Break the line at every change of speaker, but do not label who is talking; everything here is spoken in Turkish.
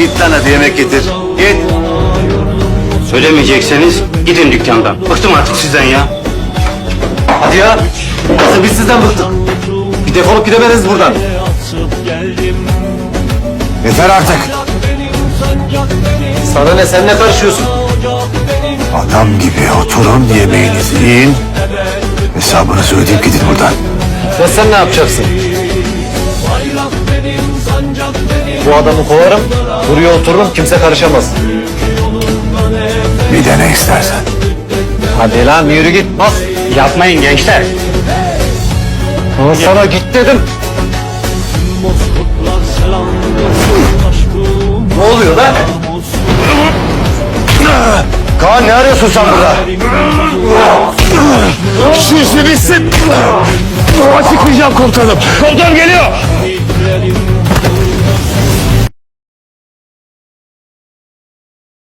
Git lan hadi yemek getir. Git.
Söylemeyecekseniz gidin dükkandan. Bıktım artık sizden ya.
Hadi ya. Nasıl biz sizden bıktık. Bir defolup gidemediniz buradan.
Yeter artık.
Sana ne, sen ne karışıyorsun?
Adam gibi oturun, yemeğinizi yiyin. Hesabınızı ödeyip gidin buradan.
Ya sen ne yapacaksın? Bu adamı kovarım, buraya otururum, kimse karışamaz.
Bir de ne istersen.
Hadi lan yürü git, bas.
Yapmayın gençler.
Ama sana git dedim. Ne oluyor lan?
Kaan, ne arıyorsun sen burada? Şu işi bitsin. Açıklayacağım komutanım. Komutanım geliyor.